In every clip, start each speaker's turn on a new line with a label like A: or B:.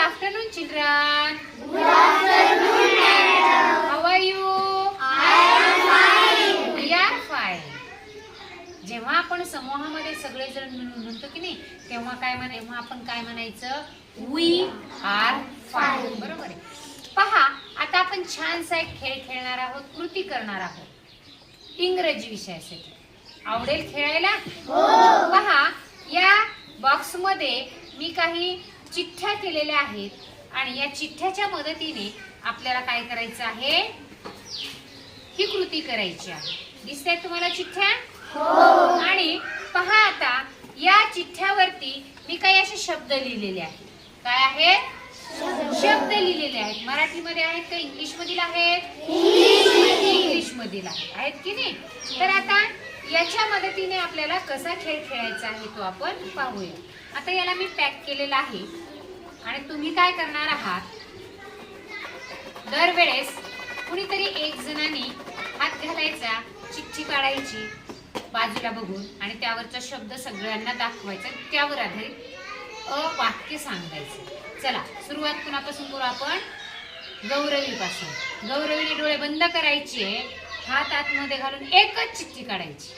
A: afternoon, children.
B: Good afternoon, madam.
A: How are you?
B: I am fine.
A: We are fine. जेव्हा आपण समूहामध्ये सगळेजण मिळून म्हणतो की नाही तेव्हा आपण काय म्हणायचं? We are fine. बरोबर आहे. पहा, आता आपण छानसा एक खेळ खेळणार आहोत, कृती करणार आहोत इंग्रजी विषयासाठी. आवडेल खेळायला? हो. पहा, या बॉक्स मध्ये मी काही चिठ्ठ्या केलेल्या आहेत आणि या चिठ्ठ्याच्या मदतीने आपल्याला काय करायचं आहे? ही कृती करायची आहे. दिसतायत तुम्हाला चिठ्ठ्या? हो. आणि पहा, आता या चिठ्ठ्यावरती मी काही असे शब्द लिहिलेले आहेत. काय आहेत? शब्द लिहिलेले आहेत. मराठीमध्ये आहेत का इंग्लिश मधील आहेत? इंग्लिश मधील आहेत की नाही? तर आता याच्या मदतीने आपल्याला कसा खेळ खेळायचा आहे तो आपण पाहूया. आता याला मी पॅक केलेला आहे आणि तुम्ही काय करणार आहात? दरवेळेस कुणीतरी एक जणांनी हात घालायचा, चिठ्ठी काढायची बाजूला बघून आणि त्यावरचा शब्द सगळ्यांना दाखवायचा, त्यावर आधारित वाक्य सांगायचं. चला, सुरुवात कुणापासून करू आपण? गौरवी पासून. गौरवीने डोळे बंद करायचे, हात आतमध्ये घालून एकच चिठ्ठी काढायची.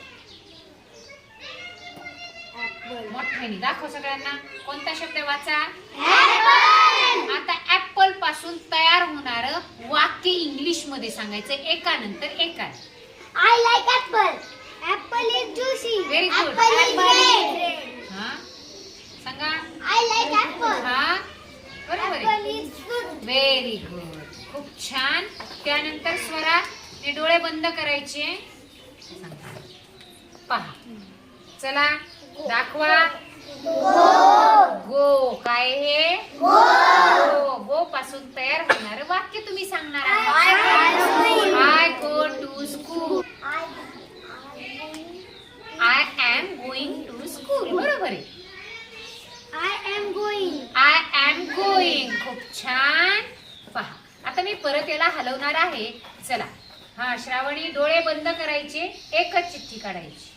A: मोठ्याने दाखव सगळ्यांना. कोणता शब्द वाचा? आता ऍपल पासून तयार होणार वाक्य इंग्लिश मध्ये सांगायचं एकानंतर एक.
B: I like apple. Apple is juicy.
A: Very good.
B: Apple is red.
A: हा, सांगा.
B: I like apple.
A: हा, बरोबर
B: Apple
A: आहे.
B: is fruit.
A: व्हेरी गुड, खूप छान. त्यानंतर स्वराने डोळे बंद करायचे. पहा, चला दाखवा. गो. काय हे? गो पासून तयार होणार वाक्य तुम्ही सांगणार आहात. I go to school. I am going to school. बरोबर आहे.
B: I am going.
A: I am going. खूप छान. पहा, आता मी परत याला हलवणार आहे. चला, हा, श्रावणी डोळे बंद करायचे, एकच चिठ्ठी काढायची.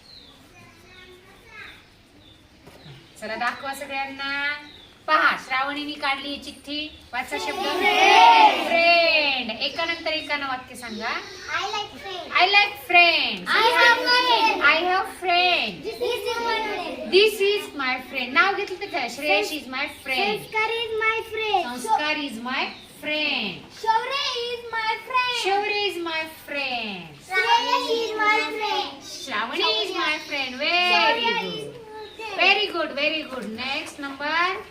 A: चला दाखवा सगळ्यांना. पहा, श्रावणीने काढली चिठ्ठी. वाचा शब्द फ्रेंड. एकानंतर एकानं वाक्य सांगा.
B: I like friends.
A: I like friend.
B: I have friends.
A: I have friend.
B: This is my friend.
A: This is my friend. नाव घेतलं तर Shreyash is my friend.
B: Sanskar is my friend.
A: Sanskar is my friend.
B: Shaurya is my friend.
A: Shaurya is my friend.
B: Shreyash is my friend.
A: Shravani is my friend. Very good, very good, very good. Next number.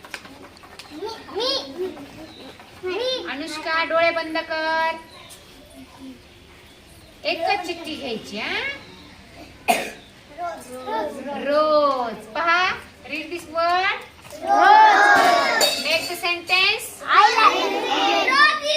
B: Me.
A: Anushka डोळे बंद कर. एकच चिठ्ठी घ्यायची. हा, रोज. पहा, read this word. Make the sentence.
B: I like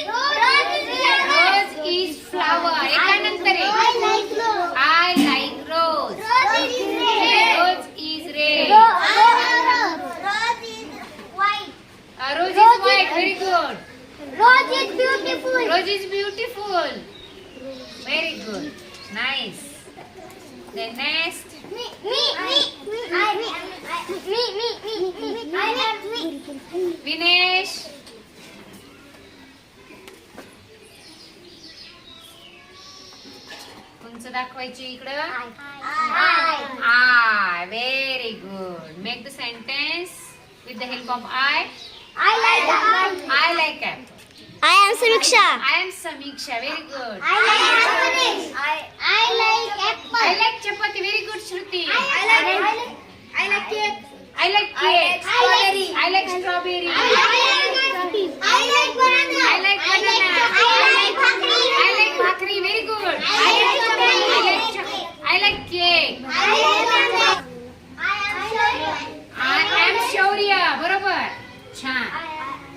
A: rose is flower. एकानंतर एक.
B: I like rose.
A: I like rose.
B: Rose is red.
A: Rose is red.
B: Rose is white.
A: Rose is white. Very good.
B: Rose is beautiful.
A: Rose is beautiful. Very good, nice. Then next.
B: Me. I have me.
A: Vinesh. कोणचं दाखवायची इकडं? I. Very good. Make the sentence with the help of I.
B: I like apple.
A: I like apple.
B: I am Samiksha.
A: I am Samiksha. Very good.
B: I like apple. I like apple.
A: I like chapati. Very good Shruti.
B: I like cake.
A: I like cake.
B: strawberry.
A: I like strawberry.
B: I like banana.
A: I like banana.
B: I like bhakri.
A: I like bhakri. Very good.
B: I like chocolate.
A: I like cake.
B: I like chocolate.
A: I am Shaurya. बरोबर, छान.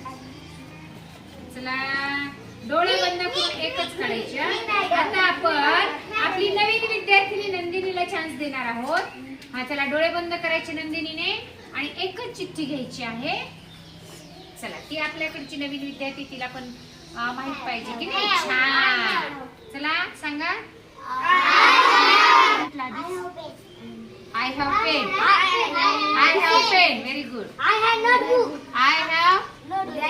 A: चला, डोळे बंद करून एकच काढायचे. आता आपण आपली नवीन विद्यार्थिनी नंदिनीला चान्स देणार आहोत. हा, चला डोळे बंद करायचे नंदिनीने आणि एकच चिठ्ठी घ्यायची आहे. चला, ती आपल्याकडची नवीन विद्यार्थी, तिला पण माहित पाहिजे की नाही. छान. चला सांगा. I have pen. I have pen. Very good.
B: I have notebook.
A: I have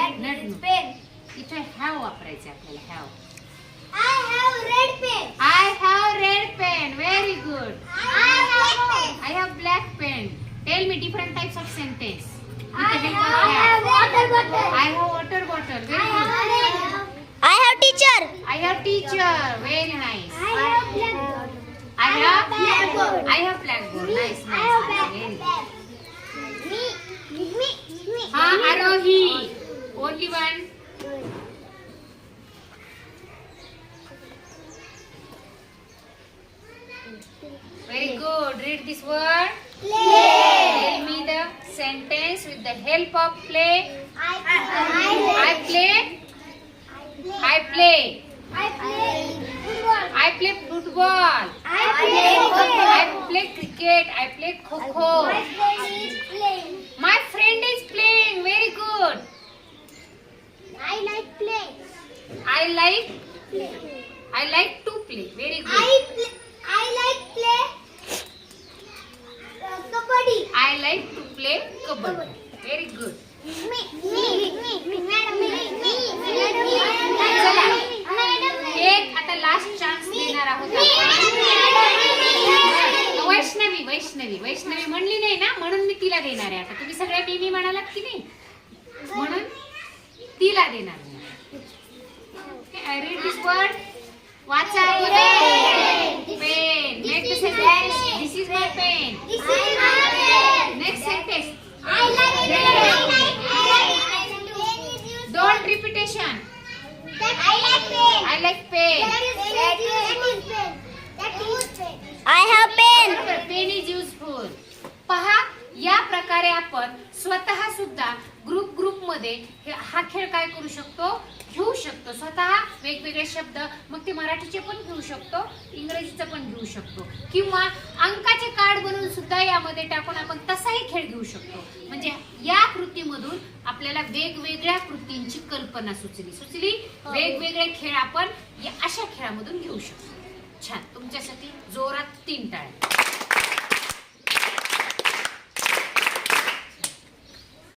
A: have वापरायचे आपल्याला have.
B: I have red pen.
A: I have red pen. Very good.
B: I have black pen.
A: I have black pen. Tell me different types of sentence. With
B: I
A: the help of
B: have
A: have.
B: water bottle.
A: I have water bottle. Very good.
B: I have teacher.
A: I have teacher. Very nice.
B: I have blackboard.
A: I have
B: blackboard.
A: I have blackboard. Nice,
B: I have
A: nice. Very good.
B: blackboard. Me.
A: Ha, Arohi. Only one. Very good. Read this word.
B: Play.
A: Tell me the sentence with the help of play.
B: I
A: I play. I play.
B: I play football.
A: I play football.
B: I play
A: I play cricket. I play kho-kho.
B: My friend is playing.
A: My friend is playing. Very good.
B: I like play.
A: I like
B: Play.
A: I like to play. Very good.
B: I like play kabaddi.
A: I like to play kabaddi. Very good.
B: Me. Madam,
A: एक आता last chance देणार आहोत आपण. वैष्णवी म्हणली नाही ना, म्हणून मी तिला देणार आहे. आता तुम्ही सगळ्या मी म्हणालात की नाही, म्हणून तिला देणार. Read this word. वाचा. Pen. Make the sentence. This is my pen. Next sentence. Don't repetition. I like pen.
B: I have pen.
A: Pen is useful. पहा, या प्रकारे आपण स्वतः सुद्धा ग्रुप मध्ये हा खेळ काय करू शकतो, घेऊ शकतो. स्वतः वेगवेगळे शब्द, मग ते मराठीचे पण घेऊ शकतो, इंग्रजीचं पण घेऊ शकतो, किंवा अंकाचे कार्ड बनवून सुद्धा यामध्ये टाकून आपण तसाही खेळ घेऊ शकतो. म्हणजे या कृतीमधून आपल्याला वेगवेगळ्या कृतींची कल्पना सुचली. वेगवेगळे खेळ आपण या अशा खेळामधून घेऊ शकतो. छान. तुमच्यासाठी जोरात 3 टाळ्या.